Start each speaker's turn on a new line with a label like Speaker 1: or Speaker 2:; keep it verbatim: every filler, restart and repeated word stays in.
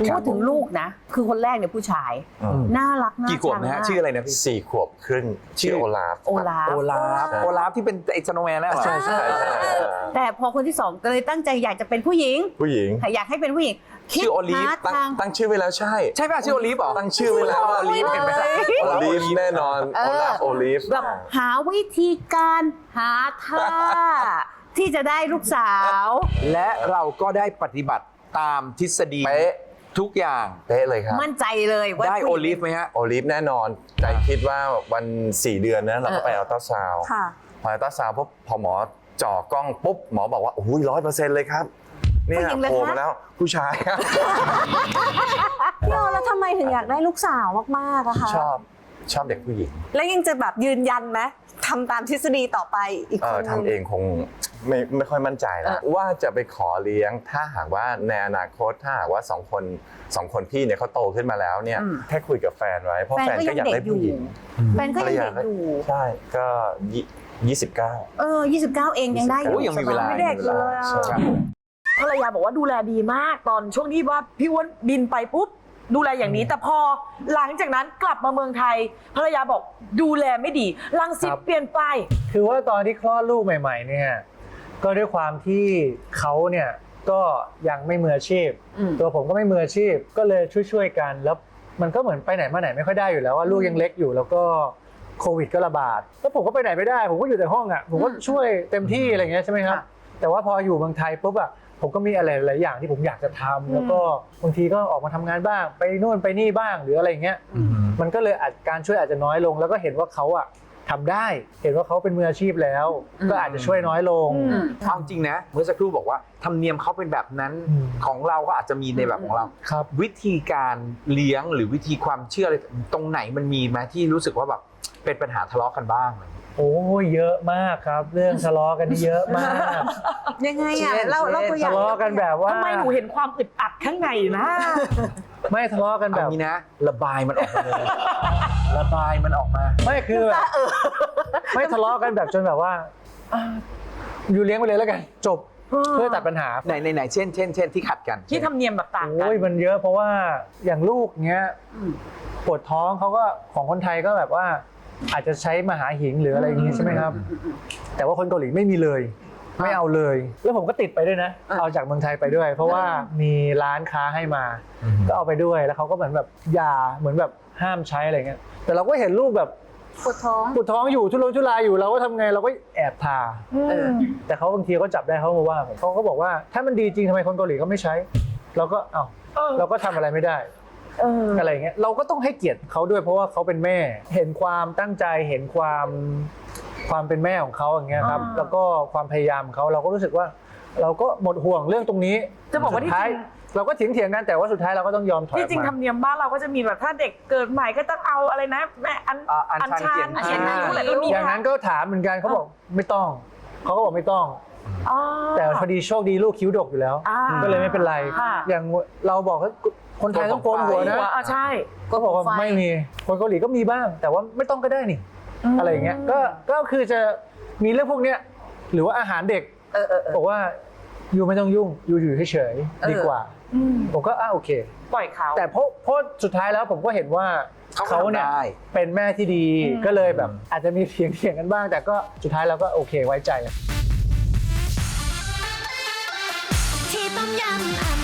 Speaker 1: พูดถึงลูกนะคือคนแรกเนี่ยผู้ชายน่ารักน่ากี่ขวบนะฮะชื่ออะไรนะพี่
Speaker 2: สี่ขวบครึ่งชื่อโอลาฟ
Speaker 1: โอลาฟ
Speaker 3: โอลาฟโอลาฟที่เป็นไอ้สโนว์แมนนั่นเหรอ
Speaker 2: ใช่ใช่
Speaker 1: แต่พอคนที่สองก็เลยตั้งใจอยากจะเป็นผู้หญิง
Speaker 2: ผู้หญิง
Speaker 1: อยากให้เป็นผู้หญิง
Speaker 3: ชื่อโอลีฟ
Speaker 2: ตั้งชื่อไว้แล้วใช่
Speaker 3: ใช่ป่ะชื่อโอลีฟเหรอ
Speaker 2: ตั้งชื่อไว้แล้ว
Speaker 3: โอลีฟเห็นไหม
Speaker 2: โอลีฟแน่นอนโอลาฟโอลีฟ
Speaker 1: แบบหาวิธีการหาท่าที่จะได้ลูกสาว
Speaker 3: และเราก็ได้ปฏิบัติตามทฤษฎี
Speaker 2: เป๊ะ
Speaker 3: ทุกอย่าง
Speaker 2: เป๊ะเลยครับ
Speaker 1: มั่นใจเลยว่า
Speaker 3: ได้โอลีฟไหมฮะ
Speaker 2: โอลีฟแน่นอนใจคิดว่าวันสี่เดือนนะเราก็ไปอัลตราซาวด์พออัลตราซาวด์ปุ๊บพอหมอจ่อกล้องปุ๊บหมอบอกว่าโอ้ยร้อยเปอร์เซ็นต์เลยครับเนี่ยโผล่มาแล้วผู้ชายครับ
Speaker 4: พี่โอแล้วทำไมถึงอยากได้ลูกสาวมากๆอะคะ
Speaker 2: ชอบชอบเด็กผู้หญิง
Speaker 4: แล้วยังจะแบบยืนยันไหมทำตามทฤษฎีต่อไปอีกคนนึง
Speaker 2: ทำเองคงไม่ไม่ค่อยมั่นใจแล้วว่าจะไปขอเลี้ยงถ้าหากว่าในอนาคตถ้าหากว่าสองคนสองคนพี่เนี่ยเขาโตขึ้นมาแล้วเนี่ยแค่คุยกับแฟนไว้เพราะแฟนก็อยากได้ผู้หญิง
Speaker 1: แฟนก็ยังเด็กอยู่
Speaker 2: ใช่ก็ยี่สิบเก้า
Speaker 1: เออยี่สิบเก้าเองยังได้อยู่
Speaker 3: ยังมีเวลา
Speaker 4: ไม่เด็กเลย
Speaker 5: ภรรยาบอกว่าดูแลดีมากตอนช่วงที่ว่าพี่อ้วนบินไปปุ๊บดูแลอย่างนี้แต่พอหลังจากนั้นกลับมาเมืองไทยภรรยาบอกดูแลไม่ดีรังสิตเปลี่ยนไป
Speaker 6: คือว่าตอนที่คลอดลูกใหม่ๆเนี่ยก็ด้วยความที่เขาเนี่ยก็ยังไม่มืออาชีพตัวผมก็ไม่มืออาชีพก็เลยช่วยๆกันแล้วมันก็เหมือนไปไหนมาไหนไม่ค่อยได้อยู่แล้วว่าลูกยังเล็กอยู่แล้วก็โควิดก็ระบาดแล้วผมก็ไปไหนไม่ได้ผมก็อยู่แต่ห้องอ่ะผมก็ช่วยเต็มที่อะไรเงี้ยใช่ไหมครับแต่ว่าพออยู่เมืองไทยปุ๊บอ่ะผมก็มีอะไรหลายอย่างที่ผมอยากจะทำแล้วก็บางทีก็ออกมาทำงานบ้างไปนู่นไปนี่บ้างหรืออะไรเงี้ยมันก็เลยอาจการช่วยอาจจะน้อยลงแล้วก็เห็นว่าเขาอะทำได้เห็นว่าเขาเป็นมืออาชีพแล้วก็อาจจะช่วยน้อยลง
Speaker 3: เอาจริงนะเมื่อสักครู่บอกว่าธรรมเนียมเขาเป็นแบบนั้นของเราก็อาจจะมีในแบบของเราวิธีการเลี้ยงหรือวิธีความเชื่ออะไรตรงไหนมันมีไหมที่รู้สึกว่าแบบเป็นปัญหาทะเลาะกันบ้าง
Speaker 6: โอ้เยอะมากครับเรื่องทะเลาะกันนี่เยอะมาก
Speaker 4: ยังไงอ่ะเราเราตัวอย่าง
Speaker 6: ทะเลาะกันแบบว่า
Speaker 5: ทำไมหนูเห็นความอึดอัดข้างในนะ
Speaker 6: ไม่ทะเลาะกันแบบ
Speaker 3: นี้นะระบายมันออกมาเลยระบายมันออกมา
Speaker 6: ไม่คือแบบไม่ทะเลาะกันแบบจนแบบว่าอยู่เลี้ยงไปเลยแล้วกันจบเพื่อตัดปัญหา
Speaker 3: ไหนไหนเช่นเช่นเช่นที่ขัดกัน
Speaker 5: ที่ทำเนียมแบบต่างกัน
Speaker 6: โอ้ยมันเยอะเพราะว่าอย่างลูกเงี้ยปวดท้องเขาก็ของคนไทยก็แบบว่าอาจจะใช้มหาหิงหรืออะไรอย่างนี้ใช่ไหมครับแต่ว่าคนเกาหลีไม่มีเลยไม่เอาเลยแล้วผมก็ติดไปด้วยนะเอาจากเมืองไทยไปด้วยเพราะว่ามีร้านค้าให้มาก็เอาไปด้วยแล้วเขาก็เหมือนแบบยาเหมือนแบบห้ามใช้อะไรเงี้ยแต่เราก็เห็นลูกแบบ
Speaker 4: ปวดท้อง
Speaker 6: ปวดท้องอยู่ทุรนทุรายอยู่เราก็ทำไงเราก็แอบทาแต่เขาบางทีก็จับได้เขามาว่าเขาก็บอกว่าถ้ามันดีจริงทำไมคนเกาหลีก็ไม่ใช้เราก็เอ้าเราก็ทำอะไรไม่ได้อะไรเงี้ยเราก็ต้องให้เกียรติเขาด้วยเพราะว่าเขาเป็นแม่เห็นความตั้งใจเห็นความความเป็นแม่ของเขาอย่างเงี้ยครับแล้วก็ความพยายามของเขาเราก็รู้สึกว่าเราก็หมดห่วงเรื่องตรงนี้
Speaker 5: จะบอกว่าที่จริง
Speaker 6: เราก็เถียงเถียงกันแต่ว่าสุดท้ายเราก็ต้องยอมถอย
Speaker 5: ที่จริงธรรมเนียมบ้านเราก็จะมีแบบถ้าเด็กเกิดใหม่ก็ต้องเอาอะไรนะแม่อัน
Speaker 3: อันชัน
Speaker 5: เขียนคิ้วอะไรก็มี
Speaker 6: อย่างนั้นก็ถามเหมือนกันเขาบอกไม่ต้องเขาก็บอกไม่ต้องแต่พอดีโชคดีลูกคิ้วดกอยู่แล้วก็เลยไม่เป็นไรอย่างเราบอกว่าคนไทยต้องโกนหัวนะ
Speaker 5: ใช่
Speaker 6: ก็บอกว่าไม่มีคนเกาหลีก็มีบ้างแต่ว่าไม่ต้องก็ได้นี่อะไรอย่างเงี้ยก็ก็คือจะมีเรื่องพวกเนี้ยหรือว่าอาหารเด็กบอกว่าอยู่ไม่ต้องยุ่งอยู่อยู่เฉยๆดีกว่าผมก็อ่ะโอเค
Speaker 5: ปล่อยเขา
Speaker 6: แต่เพราะเพราะสุดท้ายแล้วผมก็เห็นว่าเขาเนี่ยเป็นแม่ที่ดีก็เลยแบบอาจจะมีเถียงเถียงกันบ้างแต่ก็สุดท้ายเราก็โอเคไว้ใจ
Speaker 7: ที่ต้มยำ